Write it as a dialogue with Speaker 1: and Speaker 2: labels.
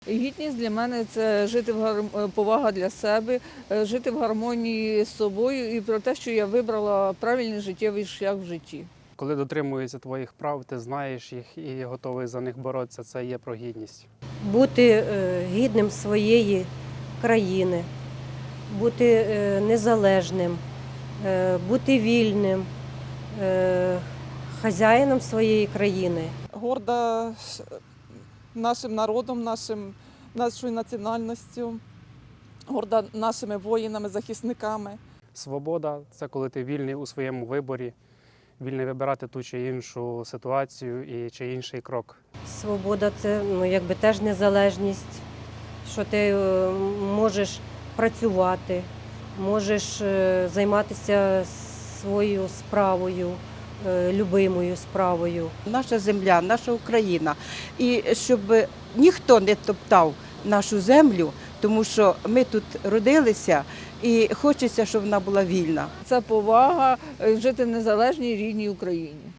Speaker 1: Гідність для мене це жити повага для себе, жити в гармонії з собою і про те, що я вибрала правильний життєвий шлях в житті.
Speaker 2: Коли дотримуються твоїх прав, ти знаєш їх і готовий за них боротися, це є про гідність.
Speaker 3: Бути гідним своєї країни, бути незалежним, бути вільним, хазяїном своєї країни.
Speaker 4: Горда нашим народом, нашою національністю, горда нашими воїнами, захисниками.
Speaker 2: Свобода – це коли ти вільний у своєму виборі, вільний вибирати ту чи іншу ситуацію і чи інший крок.
Speaker 3: Свобода – це якби теж незалежність, що ти можеш працювати, можеш займатися своєю справою, любимою справою.
Speaker 5: Наша земля, наша Україна. І щоб ніхто не топтав нашу землю, тому що ми тут родилися і хочеться, щоб вона була вільна.
Speaker 1: Це повага жити в незалежній рідній Україні.